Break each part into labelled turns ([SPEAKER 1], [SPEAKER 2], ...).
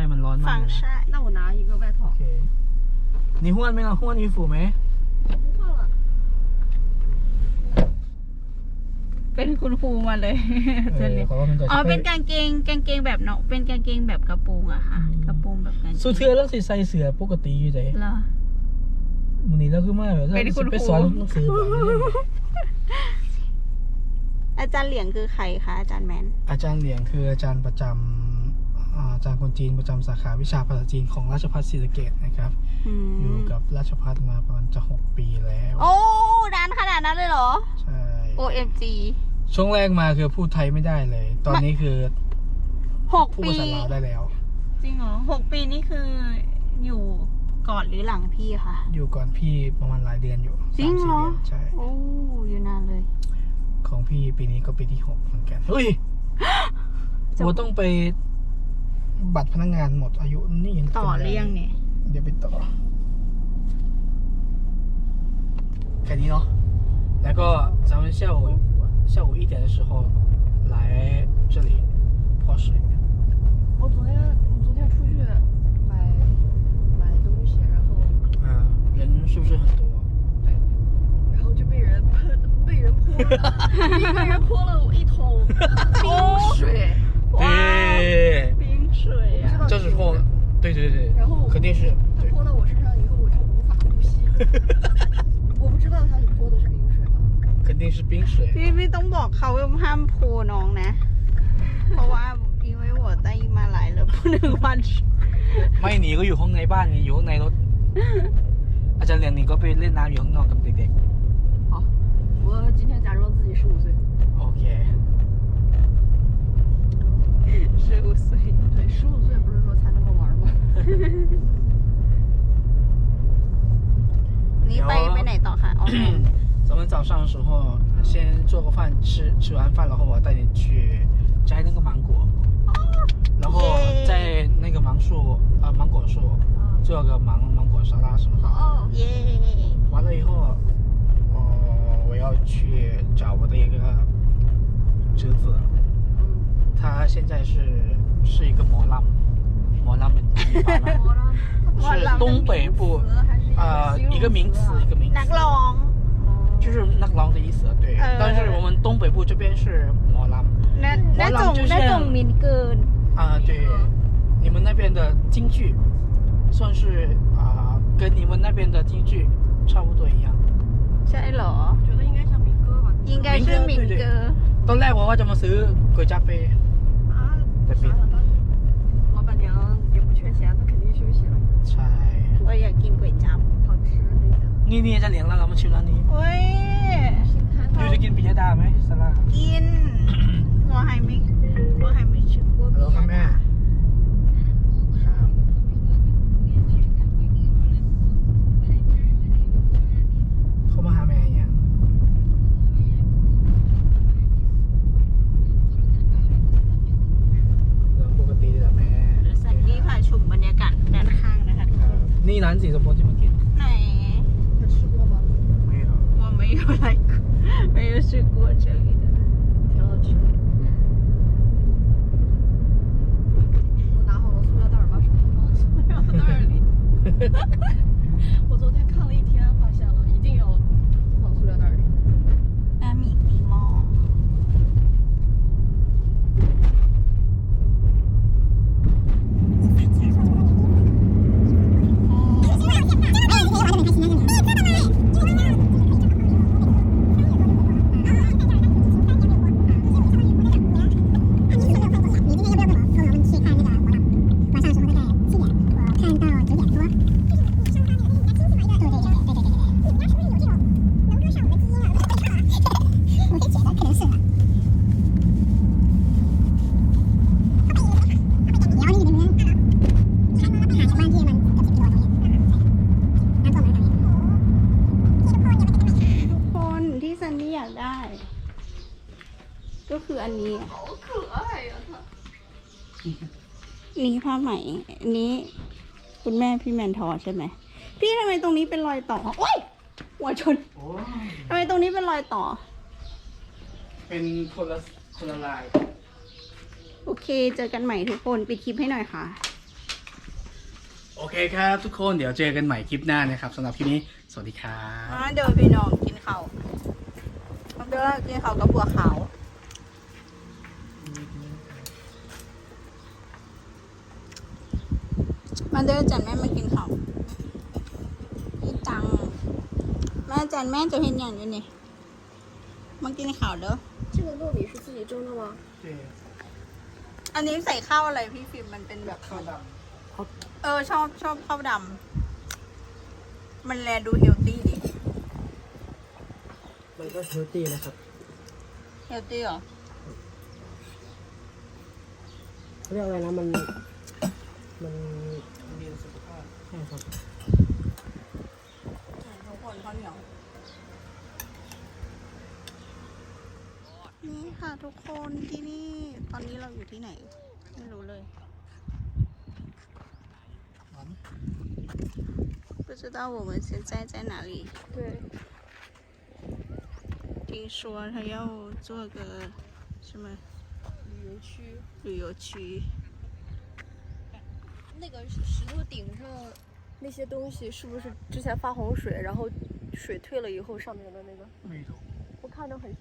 [SPEAKER 1] มันร้อนมากเลยนะ
[SPEAKER 2] 那我拿一个外套。
[SPEAKER 1] โอเค你换没有换衣服没
[SPEAKER 2] 不换了。
[SPEAKER 3] เป็นคุณครูมาเลยจะเรียนอ๋อเป็นกางเกงแบบเนาะเป็นกางเกงแบบกระโปรงอะค่ะกระโปรงแบบกางเกง
[SPEAKER 1] สุดเทือแล้วสิใส่เสื้อปกติอยู่ใจ
[SPEAKER 3] เหรอ
[SPEAKER 1] วันนี้เราคือมาแบบไปสอนหนังสือ
[SPEAKER 3] อาจารย์เหลียงคือใครคะอาจารย์แมน
[SPEAKER 1] อาจารย์เหลียงคืออาจารย์ประจำอาจารย์คนจีนประจำสาขาวิชาภาษาจีนของราชภัฏศรีสะเกษนะครับอยู่กับราชภัฏมาประมาณจะ6 ปีแล้ว
[SPEAKER 3] โอ้นานขนาดนั้นเลยเหรอ
[SPEAKER 1] ใช่
[SPEAKER 3] OMG
[SPEAKER 1] ช่วงแรกมาคือพูดไทยไม่ได้เลย ตอนนี้คือ
[SPEAKER 3] 6 ปี
[SPEAKER 1] พูดภาษาลาวได้แล้ว
[SPEAKER 3] จริงเหรอ6 ปีนี่คืออยู่ก่อนหรือหลังพี่คะ
[SPEAKER 1] อยู่ก่อนพี่ประมาณหลายเดือนอยู่
[SPEAKER 3] จริงเหรอ
[SPEAKER 1] ใช่
[SPEAKER 3] โอ้อยู่นานเลย
[SPEAKER 1] ของพี่ปีนี้ก็ปีที่6เหมือนกันเฮ้ย我ต้องไปบัตรพนักงานหมดอายุนี่
[SPEAKER 3] ต่อหรือยังเนี่ย
[SPEAKER 1] เดี๋ยวไปต่อแค่นี้เนาะแล้วก็咱们下午1点的时候来这里泡水
[SPEAKER 2] 我昨天出去买东西，然后
[SPEAKER 1] 人是不是很多
[SPEAKER 2] 对，然后就被人泼了一个人泼了我一桶冰水
[SPEAKER 1] 对
[SPEAKER 2] 冰水呀
[SPEAKER 1] 这是泼对
[SPEAKER 2] 然后
[SPEAKER 1] 肯定是
[SPEAKER 2] 他泼到我身上以后我就无法呼吸我不知道他是泼的是冰水吗
[SPEAKER 1] 肯定是冰水
[SPEAKER 3] พี่ต้องบอกเขาว่าห้ามโพน้องนะเพราะว่า因为我带มาหลายแล้ว不能玩
[SPEAKER 1] ไม่หนีก็อยู่ห้องในบ้านไงอยู่ข้างในรถอาจารย์เลี้ยงหนีก็ไปเล่นน้ำอยู่ข้างนอกกับเด็ก
[SPEAKER 2] ๆ好我今天假装自己15岁
[SPEAKER 1] โอเค
[SPEAKER 3] 15岁
[SPEAKER 2] 对15岁不是说才那么玩吗
[SPEAKER 3] 你ไปไหนต่อคะอ๋อ
[SPEAKER 1] 咱们早上的时候先做个饭吃完饭然后我带你去摘那个芒果然后在那个芒果树做个芒果沙拉什么的
[SPEAKER 2] 哦
[SPEAKER 3] 耶
[SPEAKER 1] 完了以后我要去找我的一个侄子他现在是一个模浪是东北部一个名词
[SPEAKER 3] นักร้อง
[SPEAKER 1] 就是นักร้อง的意思对但是我们东北部这边是模浪
[SPEAKER 3] 那种民歌
[SPEAKER 1] 对你们那边的京剧算是跟你们那边的京剧差不多一样
[SPEAKER 3] ใช่เหรอ
[SPEAKER 2] 觉得应该像民歌吧
[SPEAKER 3] 应该是民歌
[SPEAKER 1] ตอนแรกว่าจะมาซื้อก๋วยจั๊บไปแต่ปิด
[SPEAKER 2] 老板娘也不缺钱她肯定休息了
[SPEAKER 1] ใช่
[SPEAKER 3] 我อยากกินก๋วยจั๊บ
[SPEAKER 2] 好吃
[SPEAKER 1] นี่จะเลี้ยงแล้วเรามาชิมร้านนี้
[SPEAKER 3] เฮ้ย
[SPEAKER 1] อยู่จะกินปิยดาไหมสลัด
[SPEAKER 3] กิน我还没吃过
[SPEAKER 1] ฮัลโหลครับแม่ครับเขามาหาแม่ยังเรื่องปกติเลยแม่
[SPEAKER 3] สันนี่พาชมบรรยากาศด้านข้างนะคะ
[SPEAKER 1] นี่ร้านสีสปอร์ตที่มากิน
[SPEAKER 3] ไหน
[SPEAKER 2] 他吃过吗
[SPEAKER 1] 没有
[SPEAKER 3] 我没有来过没有去过这里的
[SPEAKER 2] 挺好吃的我拿好了塑料袋把手放塑料袋里我昨天看了一天发现了一定要放塑料袋里
[SPEAKER 3] น้ำมีกี่หม้อก็คืออันนี้นี่ผ้าไหมอันนี้คุณแม่พี่แมนทอใช่ไหมพี่ทำไมตรงนี้เป็นรอยต่อโอ๊ยหัวชนทำไมตรงนี้เป็นรอยต่อ
[SPEAKER 1] เป็นคนละลาย
[SPEAKER 3] โอเคเจอกันใหม่ทุกคนปิดคลิปให้หน่อยค่ะ
[SPEAKER 1] โอเคครับทุกคนเดี๋ยวเจอกันใหม่คลิปหน้านะครับสำหรับคลิปนี้สวัสดีครับ
[SPEAKER 3] เดี๋ยวพี่น้องกินข้าวเดี๋ยวกินข้าวกับบัวขาวมาเดินจันแม่มากินข้าวพี่ตังแม่จันแม่จะเห็นอย่างอยู่นี่มากินข้าวเด้อ
[SPEAKER 2] 这个糯米是自己蒸的吗？
[SPEAKER 3] อันนี้ใส่ข้าวอะไรพี่ฟิล์มมันเป็นแบบ
[SPEAKER 1] ข้าวด
[SPEAKER 3] ชอบข้าวดำมันแลดูเฮลตี้ดิ
[SPEAKER 1] ำมันก็เฮลตี้นะครับ
[SPEAKER 3] เฮลตี้เหรอ
[SPEAKER 1] เรียกอะไรนะมันดีต่อสุขภาพใช่ครับ
[SPEAKER 3] ทุกคนข้าวเหนียวนี่ค่ะทุกคนที่นี่ตอนนี้เราอยู่ที่ไหนไม่รู้เลย不知道我们现在在哪里
[SPEAKER 2] 对，
[SPEAKER 3] 听说他要做个什么旅游区
[SPEAKER 2] 那个石头顶上那些东西是不是之前发洪水，然后水退了以后上面的那个？
[SPEAKER 1] ไม่รู้
[SPEAKER 2] 我看着很像。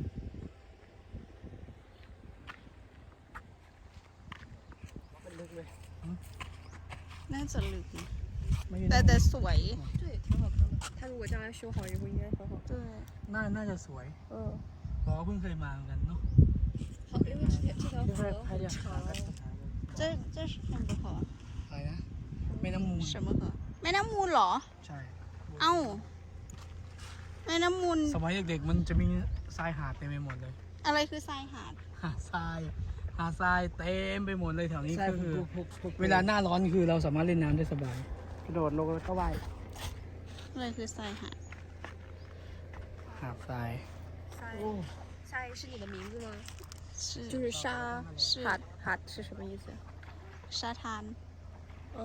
[SPEAKER 1] มันลึกเลย
[SPEAKER 3] น่าจะลึกนะ
[SPEAKER 1] ไม่
[SPEAKER 3] แต่สวย
[SPEAKER 2] 对，挺好看的。它如果将来修好以后，应该很好。
[SPEAKER 3] 对
[SPEAKER 1] น่าจะสวย
[SPEAKER 2] 嗯，
[SPEAKER 1] เพราะว่าเพิ่งเคยมาเหมือนกันเนาะ
[SPEAKER 2] 好，因为这条河很长。
[SPEAKER 3] 这是很不好
[SPEAKER 1] อะไรนะแม่น้ำมูล
[SPEAKER 3] 什么河แม่น้ำมูลเหรอ
[SPEAKER 1] ใช่
[SPEAKER 3] เอ้าแม่น้ำมูล
[SPEAKER 1] สมัยเด็กๆมันจะมีทรายหาดเต็มไปหมดเลย
[SPEAKER 3] อะไรคือทรายหาด
[SPEAKER 1] หาดทรายเต็มไปหมดเลยแถวนี้ก็คือเวลาหน้าร้อนคือเราสามารถเล่นน้ำได้สบายกระโดดลงแล้วก็ว่าย
[SPEAKER 3] อะไรคือทรายหาด
[SPEAKER 1] หาดทราย
[SPEAKER 2] 沙是你的名字吗？
[SPEAKER 3] 是
[SPEAKER 2] 就是沙
[SPEAKER 3] 是
[SPEAKER 2] 哈是什么意思？
[SPEAKER 3] ชาทาน
[SPEAKER 2] 哦，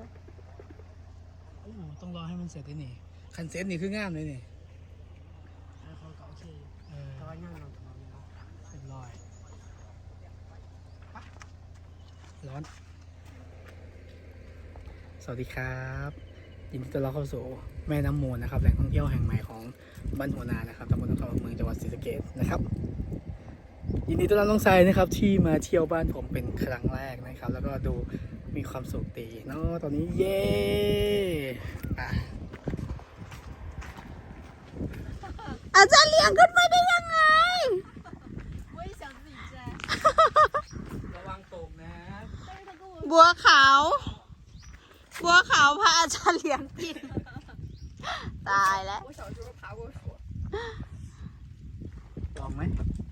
[SPEAKER 1] โอ้โหต้องรอให้มันเสร็จนี่คันเซ็ตนี่คืองามเลยนี่เรียบร้อยร้อน สวัสดีครับยินดีต้อนรับเข้าสู่แม่น้ำมูลนะครับแหล่งท่องเที่ยวแห่งใหม่ของบ้านหัวนานะครับตำบลน้ำคำอำเภอเมืองจังหวัดศรีสะเกษนะครับยินดีต้อนรับน้องทรายนะครับที่มาเที่ยวบ้านผมเป็นครั้งแรกนะครับ แล้วก็ดูมีความสุขดีเนาะตอนนี้เย้อ่ะ
[SPEAKER 3] อาจารย์เลี้ยงขึ้นไปได้ยังไง
[SPEAKER 2] 我也想自己摘，
[SPEAKER 1] ระวังตกนะ
[SPEAKER 2] 但是他跟我
[SPEAKER 3] บัวขาวพาอาจารย์เลี้ยงกิน ตายแล้ว
[SPEAKER 2] 我小时候爬过树。
[SPEAKER 1] ลองไหม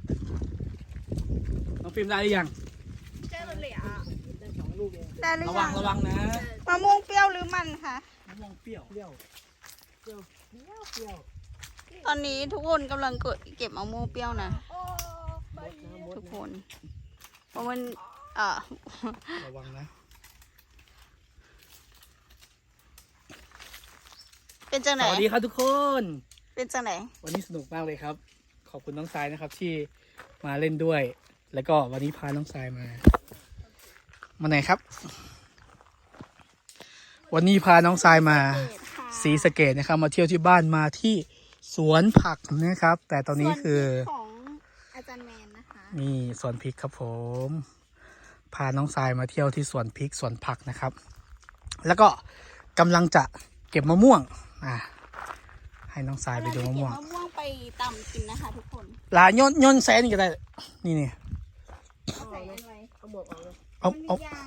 [SPEAKER 1] น้องฟิล์มได้หรือยัง
[SPEAKER 2] 摘了俩，
[SPEAKER 3] ได้หรือ
[SPEAKER 1] ระ
[SPEAKER 3] ยั
[SPEAKER 1] วั
[SPEAKER 3] ง
[SPEAKER 1] งนะ
[SPEAKER 3] มะม่วงเปรี้ยวหรือมันคะ
[SPEAKER 1] มะม่วงเปรี้ยวเปรี้ยว
[SPEAKER 3] ตอนนี้ทุกคนกำลังเก็บมะม่วงเปรี้ยวนะ
[SPEAKER 2] 哦，蚂蚁。
[SPEAKER 3] ทุกคนเพราะมัน
[SPEAKER 1] ระวังนะ
[SPEAKER 3] เป็นจังไห
[SPEAKER 1] ส
[SPEAKER 3] น
[SPEAKER 1] วัสดีครับทุกคน
[SPEAKER 3] เป็นจังไหน
[SPEAKER 1] วันนี้สนุกมากเลยครับ ขอบคุณน้องทรายนะครับที่มาเล่นด้วย แล้วก็วันนี้พาน้องทรายมาไหนครับ วันนี้พาน้องทรายมาศรีสะเกษนะครับ มาเที่ยวที่บ้านมาที่สวนผักนะครับ แต่ตอนนี้คือ
[SPEAKER 3] ของอาจารย์แมนนะคะ
[SPEAKER 1] นี่สวนพริกครับผม พาน้องทรายมาเที่ยวที่สวนพริกสวนผักนะครับ แล้วก็กำลังจะเก็บมะม่วงให้น้องทรายไปดูมะม่วง
[SPEAKER 3] เราจะเก็บมะม่วงไปตำกินนะคะทุกคน
[SPEAKER 1] ลาย่นแซนก็ได้นี่
[SPEAKER 3] ใส่อะไร
[SPEAKER 1] เอา
[SPEAKER 3] มันมียาง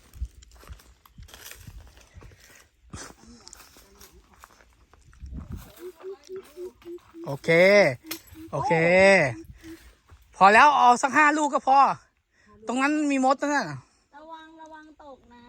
[SPEAKER 1] โอเค พอแล้วเอาสัก5 ลูกก็พอ ตรงนั้นมีมดนะ
[SPEAKER 3] ระวังตกนะ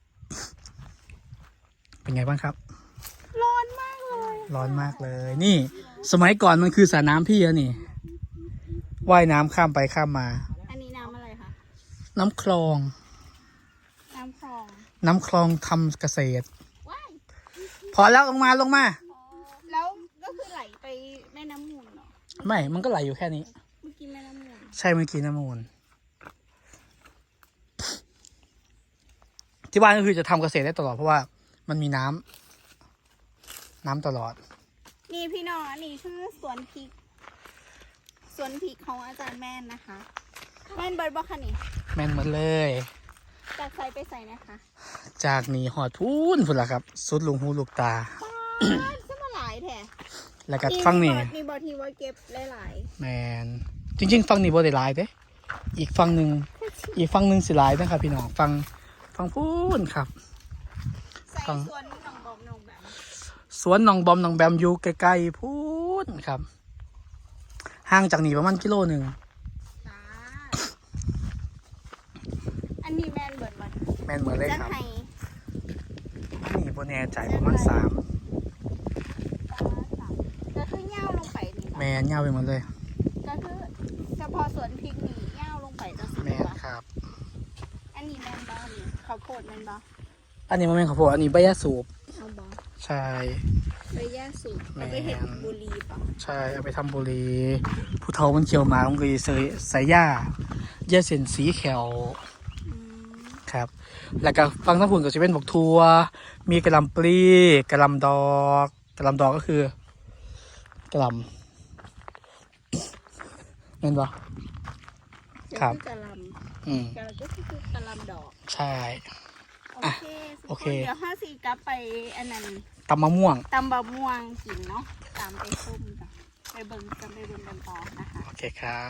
[SPEAKER 1] เป็นไงบ้างครับ
[SPEAKER 3] ร้อนมากเลย
[SPEAKER 1] ร้อนมากเลย นี่ สมัยก่อนมันคือสระน้ำพี่อะนี่ว่ายน้ำข้ามไปข้ามมา
[SPEAKER 3] อันนี้น้ำอะไรคะ
[SPEAKER 1] น้ำคลอง
[SPEAKER 3] น้ำคลอง
[SPEAKER 1] น้ำคลองทำเกษตร
[SPEAKER 3] ว้าย
[SPEAKER 1] พอแล้วลงมา
[SPEAKER 3] แล้วก็คือไหลไปแม่น้ำมูลเหรอ
[SPEAKER 1] ไม่ มันก็ไหลอยู่แค่นี้
[SPEAKER 3] เมื่อกี้แม่น้ำมูล
[SPEAKER 1] ใช่เมื่อกี้น้ำมูลที่บ้านก็คือจะทำเกษตรได้ตลอดเพราะว่ามันมีน้ำตลอด
[SPEAKER 3] นี่พี่น้องอันนี้คือสวนพริกของอาจารย์แม่นนะคะ แม่นเบิร์ดบอกค่ะนี่
[SPEAKER 1] แม่นหมดเลย
[SPEAKER 3] จากใส่ไปใส่นะคะ
[SPEAKER 1] จากนี้หอดพูนพุ่นละครับ สุดลุงหูลูกตา
[SPEAKER 3] ป้าดซะมาหลายแท้
[SPEAKER 1] แล้วก็ฟังนี่
[SPEAKER 3] มีบอทีว่าเก็บหลาย
[SPEAKER 1] แมนจริงๆ ฟังนี่บ่ได้หลายเด้อีกฟังหนึ่งสิหลายนะครับพี่น้องฟังพูนครับ
[SPEAKER 3] ๆใส่สวนหนองบอมหนองแบบ
[SPEAKER 1] สวนหนองบอมหนองแบมอยู่ใกล้ๆพูนครับห่างจากนี่ประมาณกิโลหนึ่ง
[SPEAKER 3] จ้าอันนี้แม่นเบิร์ดมัน
[SPEAKER 1] แมนเหมือนเลย
[SPEAKER 3] จะ
[SPEAKER 1] ครับ
[SPEAKER 3] ให้
[SPEAKER 1] อันนี้บ่แน่ใจประมาณ3
[SPEAKER 3] ก็คือเง่าลงไปนี่
[SPEAKER 1] แมนยาวไปหมดเลย
[SPEAKER 3] ก็คือเฉพาะสวนพริกนี่เง่าลงไปจะสุด
[SPEAKER 1] แมน
[SPEAKER 3] ปะ
[SPEAKER 1] ครับ
[SPEAKER 3] อันนี้แม่นบ้านี่ข้าวโพดแม่นบ้า
[SPEAKER 1] อันนี้มันเป็นข้าวโพดอันนี้ใบยาสูบ
[SPEAKER 3] เอาบ้า
[SPEAKER 1] ใช่
[SPEAKER 3] ไปย่าสูบเอาไปเห็ดบุรีปะ
[SPEAKER 1] ใช่เอาไปทำบุหรี่ผู้เฒ่ามันเขียวหมามันก็จะใส่ย่าเส้นสีแขว
[SPEAKER 3] อืม
[SPEAKER 1] ครับ แล้วก็ฟังทั้งผุนก็จะเป็นบกทัวมีกระหลำปลีกระหลำดอกกระหลำดอกก็คือกระหลำเห็นปะครับ
[SPEAKER 3] ก็อกะหล
[SPEAKER 1] อืม
[SPEAKER 3] ำก็คือกะหลำดอก
[SPEAKER 1] ใช่
[SPEAKER 3] โอเค
[SPEAKER 1] โอเค
[SPEAKER 3] เดี๋ยว5 4กลับไปอันนั้น
[SPEAKER 1] ตำมะม่วง
[SPEAKER 3] ตำบะม่วงกินเนาะตามไปส้มจ้ะไปเบิ่งกันต่อนะคะ
[SPEAKER 1] โอเคครับ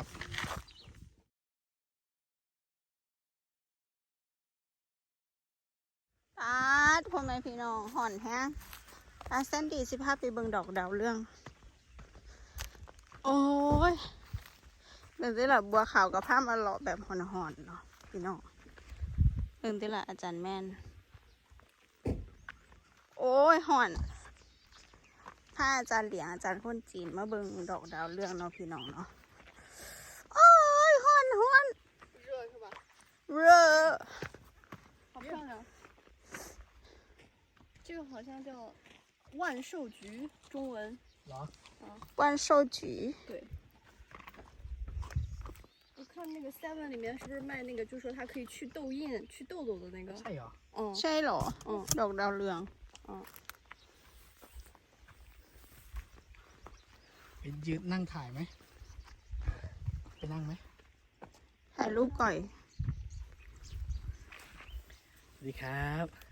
[SPEAKER 3] ปาดพ่อแม่พี่น้องห่อนแฮงอาเซนดีสิภาพไปเบิ่งดอกดาวเรื่อง โอ้ยเรื่องที่ละบัวขาวกับผ้ามาหล่อแบบห่อนๆเนาะพี่น้องเรื่องที่ละอาจารย์แม่น โอ้ยห่อนถ้าอาจารย์เหลียงอาจารย์คนจีนมาเบิ่งดอกดาวเรื่องเนาะพี่น้องเนาะโอ้ยห่อน
[SPEAKER 2] 热是吧？
[SPEAKER 3] เร่อ
[SPEAKER 2] 好漂亮。这个好像叫万寿菊，中文。
[SPEAKER 1] เหรอ
[SPEAKER 3] วันโซจี
[SPEAKER 2] 对。我看那个 Seven 里面是不是卖那个，就说它可以去痘印、去痘痘的那个？
[SPEAKER 1] ใช่เหรอ
[SPEAKER 2] 嗯。
[SPEAKER 3] ใช่เหรอดอกดาวเรือง
[SPEAKER 1] ไปยืนนั่งถ่ายไหมไปนั่งไหม
[SPEAKER 3] ถ่ายรูปก่อย
[SPEAKER 1] สวัสดีครับ